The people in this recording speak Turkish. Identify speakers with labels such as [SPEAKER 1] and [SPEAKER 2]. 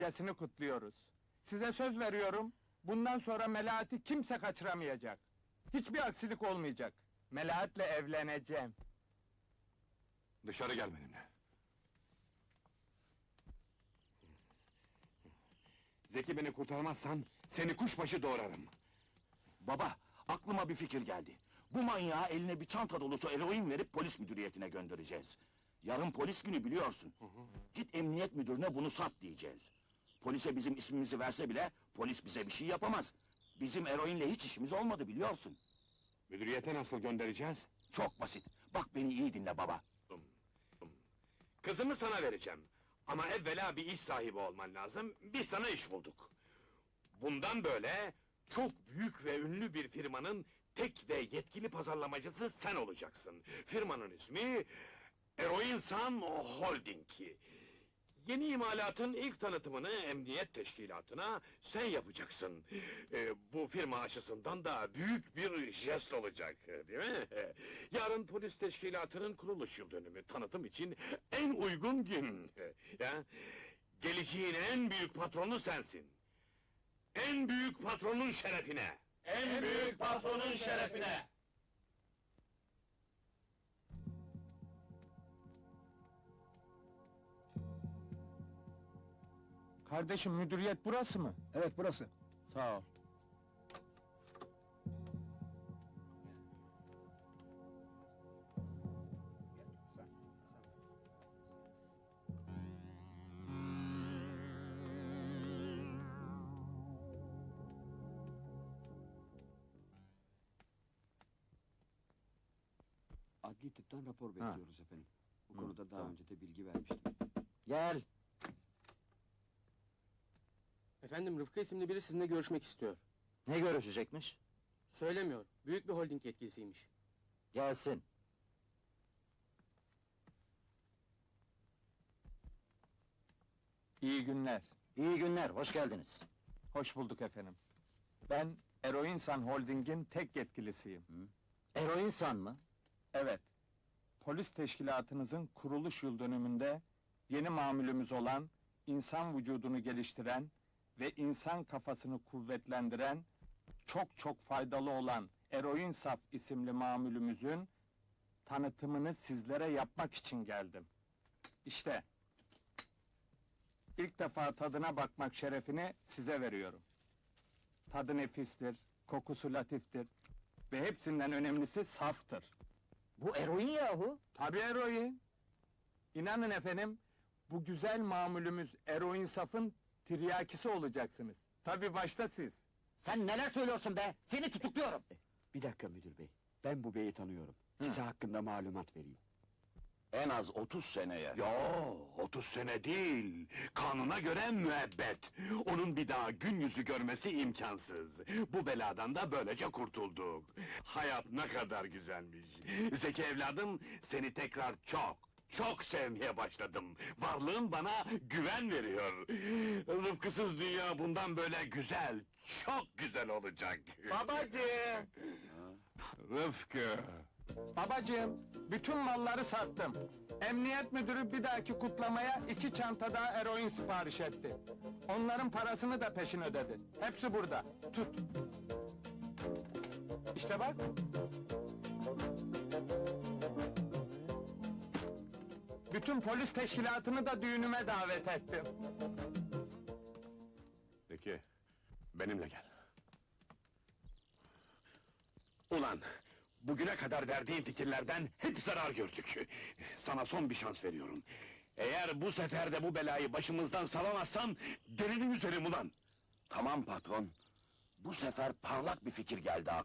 [SPEAKER 1] Yasını kutluyoruz. Size söz veriyorum, bundan sonra Melahat'i kimse kaçıramayacak. Hiçbir aksilik olmayacak. Melahat'le evleneceğim.
[SPEAKER 2] Dışarı gel benimle. Zeki beni kurtarmazsan, seni kuşbaşı doğrarım.
[SPEAKER 3] Baba, aklıma bir fikir geldi. Bu manyağa eline bir çanta dolusu eroin verip polis müdüriyetine göndereceğiz. Yarın polis günü biliyorsun. Git emniyet müdürüne bunu sat diyeceğiz. Polise bizim ismimizi verse bile, polis bize bir şey yapamaz. Bizim eroinle hiç işimiz olmadı biliyorsun.
[SPEAKER 2] Müdüriyete nasıl göndereceğiz?
[SPEAKER 3] Çok basit. Bak beni iyi dinle baba.
[SPEAKER 2] Kızımı sana vereceğim. Ama evvela bir iş sahibi olman lazım, biz sana iş bulduk. Bundan böyle, çok büyük ve ünlü bir firmanın tek ve yetkili pazarlamacısı sen olacaksın. Firmanın ismi... Eroinsan Holding. Yeni imalatın ilk tanıtımını emniyet teşkilatına sen yapacaksın. Bu firma açısından da büyük bir jest olacak, değil mi? Yarın polis teşkilatının kuruluş yıl dönümü, tanıtım için en uygun gün. Ya, geleceğin en büyük patronu sensin. En büyük patronun şerefine.
[SPEAKER 3] En büyük patronun şerefine!
[SPEAKER 1] Kardeşim, müdüriyet burası mı?
[SPEAKER 4] Evet, burası.
[SPEAKER 1] Sağ ol.
[SPEAKER 5] Adli tıptan rapor bekliyoruz efendim. Bu konuda daha önce de bilgi vermiştim.
[SPEAKER 4] Gel.
[SPEAKER 6] Efendim, Rıfkı isimli biri sizinle görüşmek istiyor.
[SPEAKER 4] Ne görüşecekmiş?
[SPEAKER 6] Söylemiyor, büyük bir holding yetkilisiymiş.
[SPEAKER 4] Gelsin.
[SPEAKER 1] İyi günler.
[SPEAKER 4] İyi günler, hoş geldiniz.
[SPEAKER 1] Hoş bulduk efendim. Ben Eroinsan Holding'in tek yetkilisiyim.
[SPEAKER 4] Eroinsan mı?
[SPEAKER 1] Evet. Polis teşkilatınızın kuruluş yıl dönümünde yeni mamülümüz olan, insan vücudunu geliştiren ve insan kafasını kuvvetlendiren, çok faydalı olan Eroinsaf isimli mamülümüzün tanıtımını sizlere yapmak için geldim. İşte, ilk defa tadına bakmak şerefini size veriyorum. Tadı nefistir, kokusu latiftir ve hepsinden önemlisi saftır.
[SPEAKER 4] Bu eroin yahu!
[SPEAKER 1] Tabii eroin. İnanın efendim, bu güzel mamulümüz Eroinsaf'ın tiryakisi olacaksınız. Tabii başta siz.
[SPEAKER 4] Sen neler söylüyorsun be? Seni tutukluyorum!
[SPEAKER 5] Bir dakika müdür bey, ben bu beyi tanıyorum. Size hakkında malumat vereyim.
[SPEAKER 3] En az 30 seneye.
[SPEAKER 2] Yo, 30 sene değil, kanuna göre müebbet. Onun bir daha gün yüzü görmesi imkansız. Bu beladan da böylece kurtulduk. Hayat ne kadar güzelmiş. Zeki evladım, seni tekrar çok sevmeye başladım. Varlığın bana güven veriyor. Rıfkısız dünya bundan böyle güzel, çok güzel olacak.
[SPEAKER 1] Babacığım!
[SPEAKER 2] Rıfkı!
[SPEAKER 1] Babacığım, bütün malları sattım. Emniyet müdürü bir dahaki kutlamaya 2 çanta daha eroin sipariş etti. Onların parasını da peşin ödedi. Hepsi burada. Tut. İşte bak. Bütün polis teşkilatını da düğünüme davet ettim.
[SPEAKER 2] Peki, benimle gel. Ulan, bugüne kadar verdiğin fikirlerden hep zarar gördük. Sana son bir şans veriyorum. Eğer bu sefer de bu belayı başımızdan salamazsan, delini üzerim ulan!
[SPEAKER 3] Tamam patron. Bu sefer parlak bir fikir geldi aklıma.